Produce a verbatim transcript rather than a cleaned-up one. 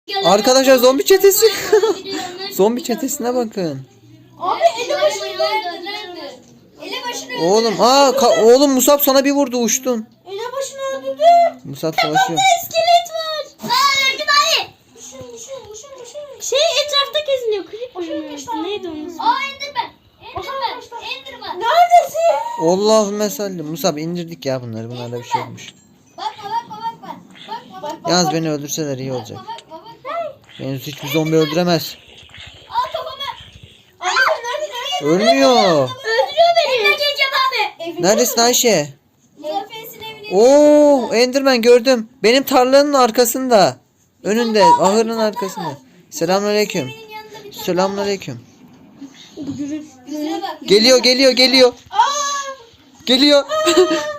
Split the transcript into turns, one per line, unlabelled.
Arkadaşlar zombi çetesi. Zombi çetesine bakın.
Abi ele başını öldürdü. Ele başını öldürdü.
Oğlum aa ka- oğlum Musab sana bir vurdu uçtun.
Ele başını öldürdü.
Musab savaşıyor.
İskelet var. Aa öldüm abi. Düşün düşün düşün düşün. Şey etrafta geziniyor. Creeper. Neydi onun? Aa Enderman. Enderman. Enderman. Neredesin?
Allahümme salli. Musab indirdik ya bunları. Bunlarda bir şey olmuş.
Bakma bakma bakma. Bakma bakma.
Yalnız beni öldürseler iyi olacak.
Bakma bakma bakma.
Beni hiçbir zombi öldüremez.
Al kafamı. Abi sen nerede nerede?
Ölmüyor.
Öldürüyor beni. Evine geleceğim abi.
Neredesin Ayşe?
Muzaffer'sin evine.
Oo, Enderman gördüm. Benim tarlanın arkasında. Önünde, ahırın arkasında. Selamünaleyküm.
Evinin yanında bir tane.
Selamünaleyküm.
Yüzüne bak.
Geliyor, geliyor, geliyor.
Aa!
Geliyor.